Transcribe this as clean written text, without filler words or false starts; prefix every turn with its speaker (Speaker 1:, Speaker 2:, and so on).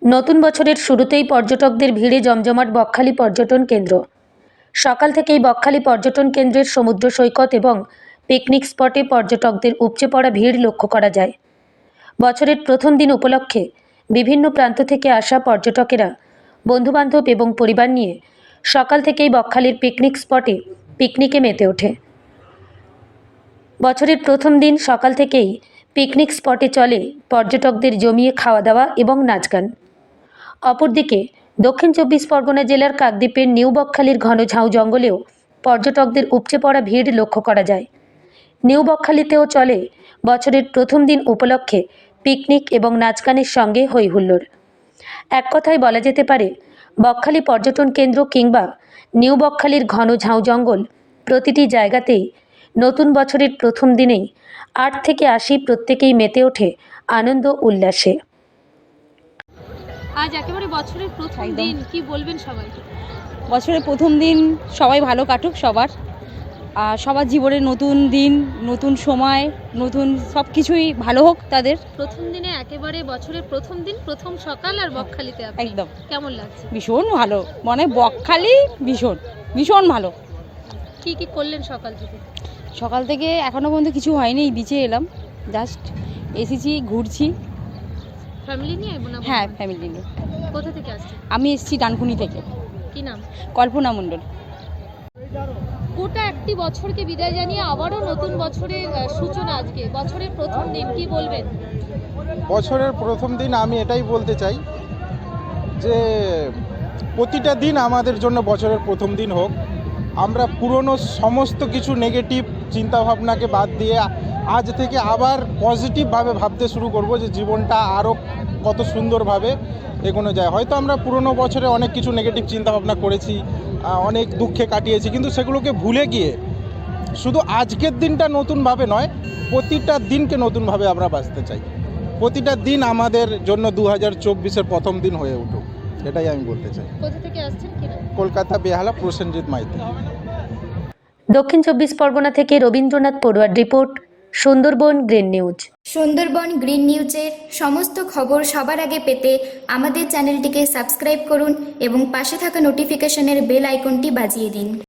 Speaker 1: নতুন বছরের শুরুতেই পর্যটকদের ভিড়ে জমজমাট বকখালি পর্যটন কেন্দ্র। সকাল থেকেই বকখালি পর্যটন কেন্দ্রের সমুদ্র সৈকত এবং পিকনিক স্পটে পর্যটকদের উপচে পড়া ভিড় লক্ষ্য করা যায়। বছরের প্রথম দিন উপলক্ষে বিভিন্ন প্রান্ত থেকে আসা পর্যটকেরা বন্ধুবান্ধব এবং পরিবার নিয়ে সকাল থেকেই বকখালির পিকনিক স্পটে পিকনিকে মেতে ওঠে। বছরের প্রথম দিন সকাল থেকেই পিকনিক স্পটে চলে পর্যটকদের জমিয়ে খাওয়া দাওয়া এবং নাচ গান। অপরদিকে দক্ষিণ চব্বিশ পরগনা জেলার কাকদ্বীপের নিউ বকখালির ঘন ঝাউ জঙ্গলেও পর্যটকদের উপচে পড়া ভিড় লক্ষ্য করা যায়। নিউ বকখালিতেও চলে বছরের প্রথম দিন উপলক্ষে পিকনিক এবং নাচ গানের সঙ্গে হই হুল্লোড়। এক কথায় বলা যেতে পারে বকখালি পর্যটন কেন্দ্র কিংবা নিউ বকখালির ঘন ঝাউ জঙ্গল প্রতিটি জায়গাতেই নতুন বছরের প্রথম দিনেই 8 থেকে 80 প্রত্যেকেই মেতে ওঠে আনন্দ উল্লাসে।
Speaker 2: আজ একেবারে বছরের প্রথম দিন, কি বলবেন সবাই?
Speaker 3: বছরের প্রথম দিন সবাই ভালো কাটুক, সবার জীবনের নতুন দিন, নতুন সময়, নতুন সব কিছুই ভালো হোক তাদের।
Speaker 2: প্রথম দিনে একেবারে বছরের প্রথম দিন, প্রথম সকাল আর বকখালিতে আপনি
Speaker 3: একদম
Speaker 2: কেমন লাগছে?
Speaker 3: ভীষণ ভালো, মানে বকখালি ভীষণ ভালো।
Speaker 2: কি কি করলেন সকাল থেকে?
Speaker 3: সকাল থেকে এখনো পর্যন্ত কিছু হয়নি, এই বিচে এলাম, জাস্ট এসেছি, ঘুরছি।
Speaker 2: ফ্যামিলি নিয়ে না?
Speaker 3: হ্যাঁ, ফ্যামিলি নিয়ে।
Speaker 2: কোথা থেকে আসছেন?
Speaker 3: আমি এসেছি ডানকুনি থেকে।
Speaker 2: কি নাম?
Speaker 3: কল্পনা মণ্ডল।
Speaker 2: গোটা একটি বছরকে বিদায় জানিয়ে আবারও নতুন বছরের সূচনা, আজকে বছরের প্রথম দিন, কি বলবেন?
Speaker 4: বছরের প্রথম দিন আমি এটাই বলতে চাই যে প্রতিটা দিন আমাদের জন্য বছরের প্রথম দিন হোক। আমরা পুরনো সমস্ত কিছু নেগেটিভ চিন্তাভাবনাকে বাদ দিয়ে আজ থেকে আবার পজিটিভভাবে ভাবতে শুরু করব যে জীবনটা আরও কত সুন্দরভাবে এগোনো যায়। হয়তো আমরা পুরনো বছরে অনেক কিছু নেগেটিভ চিন্তাভাবনা করেছি, অনেক দুঃখে কাটিয়েছি, কিন্তু সেগুলোকে ভুলে গিয়ে শুধু আজকের দিনটা নতুনভাবে নয়, প্রতিটা দিনকে নতুনভাবে আমরা বাঁচতে চাই। প্রতিটা দিন আমাদের জন্য 2024-এর প্রথম দিন হয়ে উঠুক, এটাই আমি বলতে চাই।
Speaker 2: কোথা থেকে আসছেন? কি নাম?
Speaker 4: কলকাতা, বেহালা, প্রসেনজিৎ মাইতি।
Speaker 1: দক্ষিণ চব্বিশ পরগনা থেকে রবীন্দ্রনাথ পড়ুয়ার report, Sundarban green news.
Speaker 5: Sundarban green নিউজের সমস্ত খবর সবার আগে পেতে আমাদের চ্যানেলটিকে সাবস্ক্রাইব করুন এবং পাশে থাকা নোটিফিকেশনের বেল আইকনটি বাজিয়ে দিন।